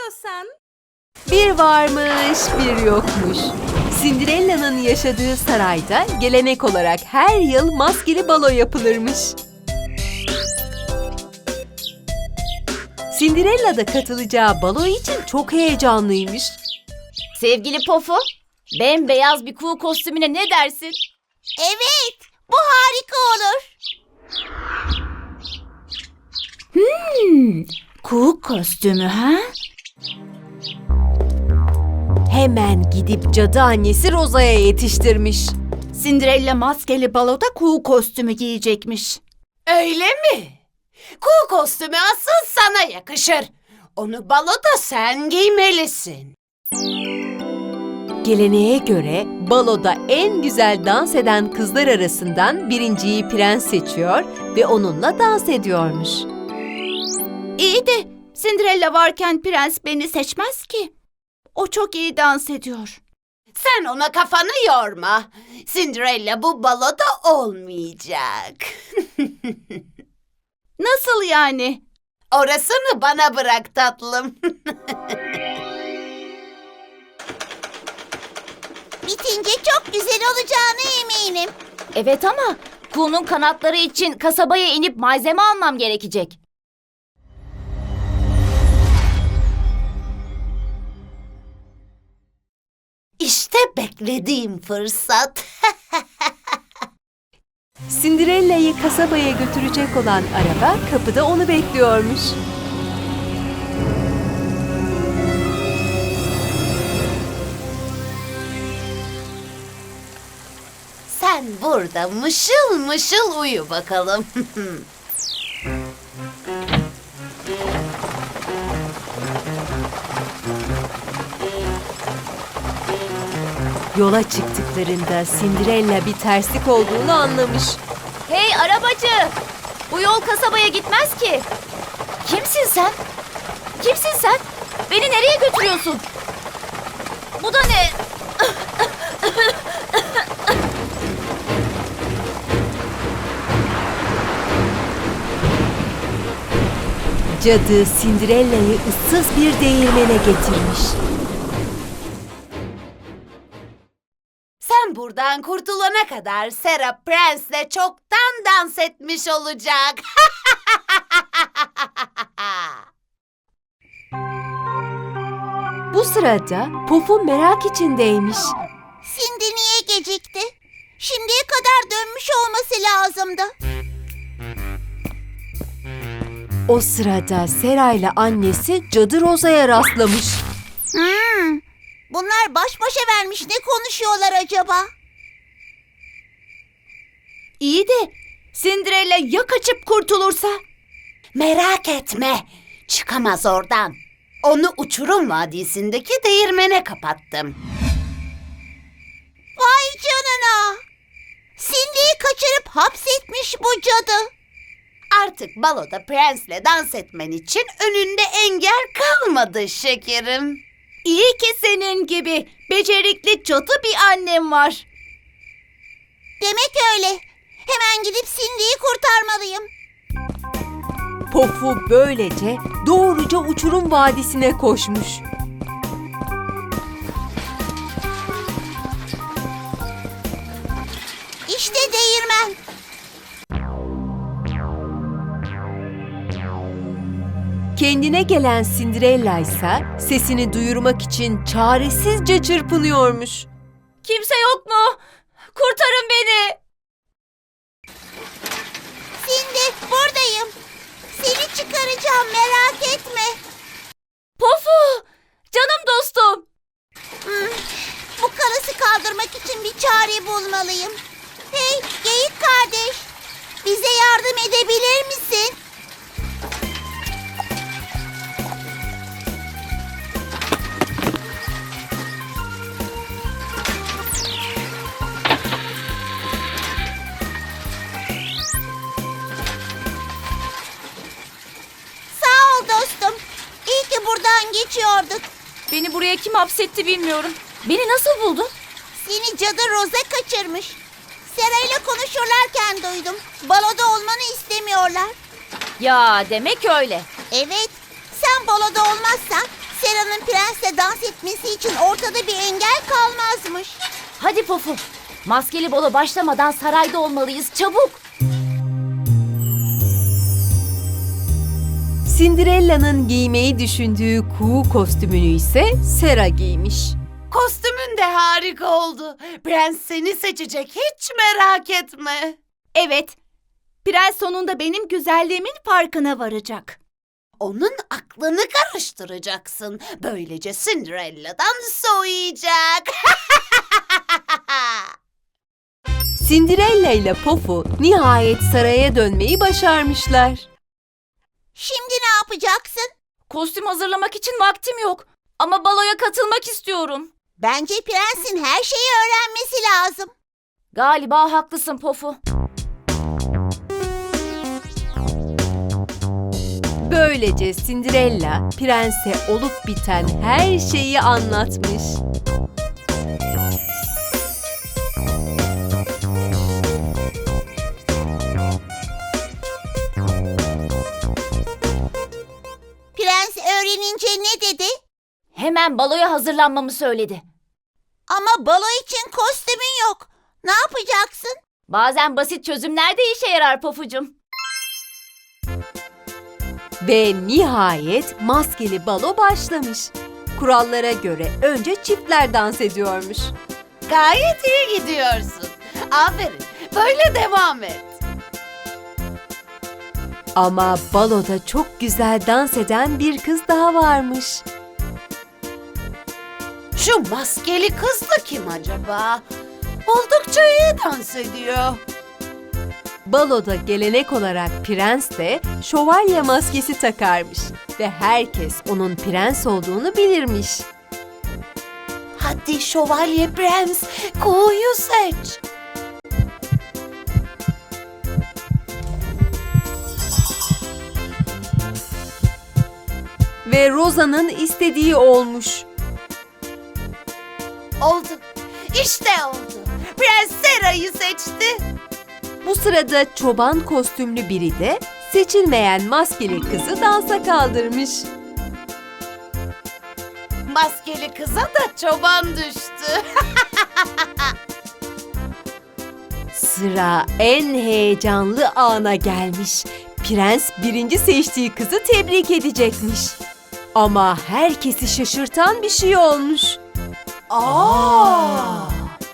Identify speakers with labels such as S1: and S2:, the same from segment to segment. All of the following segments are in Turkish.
S1: istiyorsan.
S2: Bir varmış, bir yokmuş. Cinderella'nın yaşadığı sarayda gelenek olarak her yıl maskeli balo yapılırmış. Cinderella da katılacağı balo için çok heyecanlıymış.
S3: Sevgili Pofu, bembeyaz bir kuğu kostümüne ne dersin?
S1: Evet, bu harika olur.
S3: Kuğu kostümü ha?
S2: Hemen gidip cadı annesi Rosa'ya yetiştirmiş.
S3: Cinderella maskeli baloda kuğu kostümü giyecekmiş.
S1: Öyle mi? Kuğu kostümü asıl sana yakışır. Onu baloda sen giymelisin.
S2: Geleneğe göre baloda en güzel dans eden kızlar arasından birinciyi prens seçiyor ve onunla dans ediyormuş.
S3: İyi de Cinderella varken prens beni seçmez ki. O çok iyi dans ediyor.
S1: Sen ona kafanı yorma. Cinderella bu baloda olmayacak.
S3: Nasıl yani?
S1: Orasını bana bırak tatlım. Bitince çok güzel olacağına eminim.
S3: Evet ama kuğunun kanatları için kasabaya inip malzeme almam gerekecek.
S1: İşte beklediğim fırsat.
S2: Cinderella'yı kasabaya götürecek olan araba kapıda onu bekliyormuş.
S1: Sen burada mışıl mışıl uyu bakalım.
S2: Yola çıktıklarında Cinderella bir terslik olduğunu anlamış.
S3: Hey arabacı! Bu yol kasabaya gitmez ki. Kimsin sen? Kimsin sen? Beni nereye götürüyorsun? Bu da ne?
S2: Cadı Cinderella'yı ıssız bir değirmene getirmiş.
S1: Sen buradan kurtulana kadar Serap Prens'le çoktan dans etmiş olacak.
S2: Bu sırada Pufu merak içindeymiş.
S1: Cindy niye gecikti? Şimdiye kadar dönmüş olması lazımdı.
S2: O sırada Sera ile annesi Cadı Rosa'ya rastlamış.
S1: Bunlar baş başa vermiş, ne konuşuyorlar acaba?
S3: İyi de Cinderella ya kaçıp kurtulursa?
S1: Merak etme, çıkamaz oradan. Onu uçurum vadisindeki değirmene kapattım. Vay canına! Cindy'yi kaçırıp hapsetmiş bu cadı. Artık baloda prensle dans etmen için önünde engel kalmadı şekerim.
S3: İyi ki senin gibi becerikli cadı bir annem var.
S1: Demek öyle. Hemen gidip Cindy'yi kurtarmalıyım.
S2: Pufu böylece doğruca uçurum vadisine koşmuş.
S1: İşte değirmen.
S2: Kendine gelen Cinderella ise sesini duyurmak için çaresizce çırpınıyormuş.
S3: Kimse yok mu? Kurtarın beni.
S1: Cindy, buradayım. Seni çıkaracağım, merak etme.
S3: Pofu! Canım dostum.
S1: Bu kalısı kaldırmak için bir çare bulmalıyım. Hey, geyik kardeş. Bize yardım edebilir misin? Sağ ol dostum. İyi ki buradan geçiyorduk.
S3: Beni buraya kim hapsetti bilmiyorum. Beni nasıl buldun?
S1: Seni cadı Rosa kaçırmış. Sera ile konuşurlarken duydum. Baloda olmanı istemiyorlar.
S3: Ya demek öyle.
S1: Evet, sen baloda olmazsan Sera'nın prensle dans etmesi için ortada bir engel kalmazmış.
S3: Hadi Pofu. Maskeli balo başlamadan sarayda olmalıyız. Çabuk.
S2: Cinderella'nın giymeyi düşündüğü kuğu kostümünü ise Sera giymiş.
S1: Kostümün de harika oldu. Prens seni seçecek, hiç merak etme.
S3: Evet. Prens sonunda benim güzelliğimin farkına varacak.
S1: Onun aklını karıştıracaksın. Böylece Cinderella'dan soğuyacak.
S2: Cinderella ile Pofu nihayet saraya dönmeyi başarmışlar.
S1: Şimdi ne yapacaksın?
S3: Kostüm hazırlamak için vaktim yok. Ama baloya katılmak istiyorum.
S1: Bence prensin her şeyi öğrenmesi lazım.
S3: Galiba haklısın Pofu.
S2: Böylece Cinderella prense olup biten her şeyi anlatmış.
S1: Prens öğrenince ne dedi?
S3: Hemen baloya hazırlanmamı söyledi.
S1: Ama balo için kostümün yok. Ne yapacaksın?
S3: Bazen basit çözümler de işe yarar Pofucum.
S2: Ve nihayet maskeli balo başlamış. Kurallara göre önce çiftler dans ediyormuş.
S1: Gayet iyi gidiyorsun. Aferin. Böyle devam et.
S2: Ama baloda çok güzel dans eden bir kız daha varmış.
S1: Şu maskeli kız da kim acaba? Oldukça iyi dans ediyor.
S2: Baloda gelenek olarak prens de şövalye maskesi takarmış ve herkes onun prens olduğunu bilirmiş.
S1: Hadi şövalye prens, kuğuyu seç.
S2: Ve Rosa'nın istediği olmuş.
S1: Oldu. İşte oldu. Prens Sera'yı seçti.
S2: Bu sırada çoban kostümlü biri de seçilmeyen maskeli kızı dansa kaldırmış.
S1: Maskeli kıza da çoban düştü.
S2: Sıra en heyecanlı ana gelmiş. Prens birinci seçtiği kızı tebrik edecekmiş. Ama herkesi şaşırtan bir şey olmuş.
S1: Aa!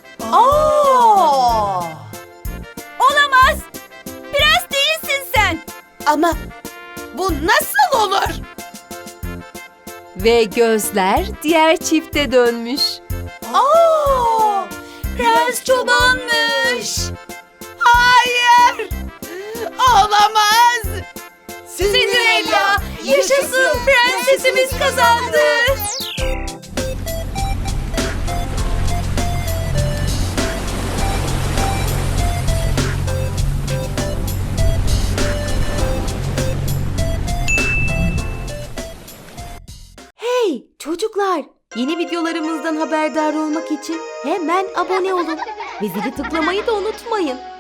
S3: Olamaz! Prens değilsin sen!
S1: Ama bu nasıl olur?
S2: Ve gözler diğer çifte dönmüş.
S1: Aa! Prens çobanmış. Hayır! Olamaz!
S3: Cinderella, yaşasın, prensesimiz kazandı.
S2: Hey çocuklar! Yeni videolarımızdan haberdar olmak için hemen abone olun. Ve zili tıklamayı da unutmayın.